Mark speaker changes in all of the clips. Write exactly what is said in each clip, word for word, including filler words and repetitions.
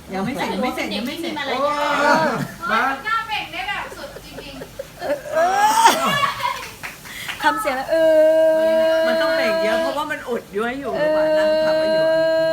Speaker 1: ยังไม่เสร็จยังไม่เสร็จยังไม่เสร็จ
Speaker 2: อะไร
Speaker 1: โอ้
Speaker 2: เนี่ย
Speaker 3: มา
Speaker 4: หน้าเบ่งได้แบบสุดจริง
Speaker 2: ทำเสียงแล้วเออ
Speaker 1: มันต้องเบรกเยอะเพราะว่ามันอุดย้วยอยู่ระหว่างนั่งทำไปอยู่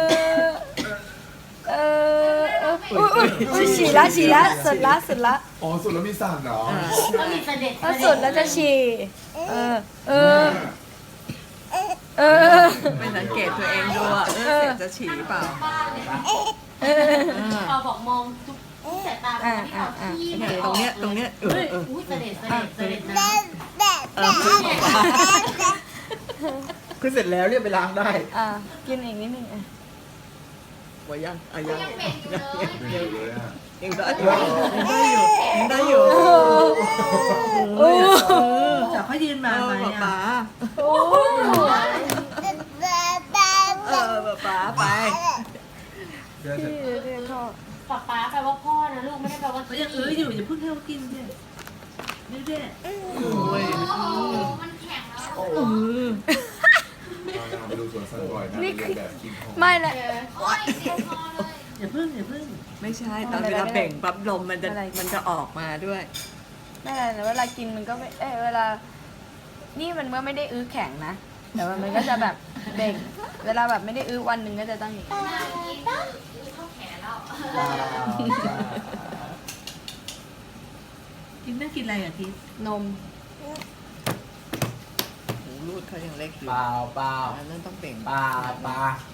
Speaker 2: เออเอออุ้ยอุ้ยฉี่ละฉี่ละสุดละสุดละ
Speaker 3: อ๋อสุดแล้วมีสั่นเหรอ
Speaker 5: ก็มีเสด็จ
Speaker 2: ถ้าสุดแล้วจะฉี่เออเออเออ
Speaker 1: ไม่สังเกตตัวเองดูอ่ะเออเสร็จจะฉี่เปล่า
Speaker 5: บ้านเลย
Speaker 2: เออ
Speaker 5: พอบอกมองทุกสายตาที่ออกที่
Speaker 1: เนี่ยตรงเนี้ยตรงเนี้ยเออเออ
Speaker 5: อุ้ยเสด็จเสด็จเสด็จนะ
Speaker 1: เออคือเสร็จแล้วเรียกไปล้างได้
Speaker 2: อ่ะกินอีกนิดนึงอ่ะ
Speaker 1: ว่ายังอ่ะยัง
Speaker 4: ๆยังเบ่งอยู่เลย
Speaker 3: ไม่เห็นเลยอ่ะ
Speaker 1: ยังได้อยู่ยังได้อยู่ยังได้อยู่
Speaker 2: โอ้
Speaker 1: แต่เขายืนมาไหมอ่ะ
Speaker 2: โอ้
Speaker 1: เออป๋าไป
Speaker 3: เชื่อเถ
Speaker 2: ที่
Speaker 3: อะ
Speaker 2: เรียกพ่อ
Speaker 5: ป๊าป๊าแปลว่าพ่อนะลูกไม่ได้แปลว่า
Speaker 1: เขายังเอออยู่อย่าเพิ่งให้เขากินสินี่เด้โอ้ย
Speaker 4: โอ้โหมันแข็งแล้ว
Speaker 3: โอ้
Speaker 1: เออ
Speaker 3: เราไปดูสวนสัตว์บ่อยนะเรียนแบบกินของ
Speaker 2: ไม่ละ
Speaker 4: โอ้ยเสียคอเลย
Speaker 1: อย่าเพิ่งอย่าเพิ่งไม่ใช่ตอนเวลาเบ่งปั๊บลมมันจะมันจะออกมาด้วย
Speaker 2: ไม่อะไรนะเวลากินมันก็ไม่เอ้ยเวลา นี่มันก็ไม่ได้อื้อแข็งนะ แต่ว่ามันก็จะแบบเบ่ง เวลาแบบไม่ได้อื้อวันหนึ่งก็จะต้องอย่างนี้
Speaker 4: หน้ากินคือเข้าแขนแล้ว
Speaker 1: กินน่ากินอะไรอ่ะทิพ
Speaker 2: นม
Speaker 1: หูรูดเขายังเล็กอยู่
Speaker 6: เปล่าเปล่า
Speaker 1: อันนั้นต้องเบ่ง
Speaker 6: เปล่าเปล่า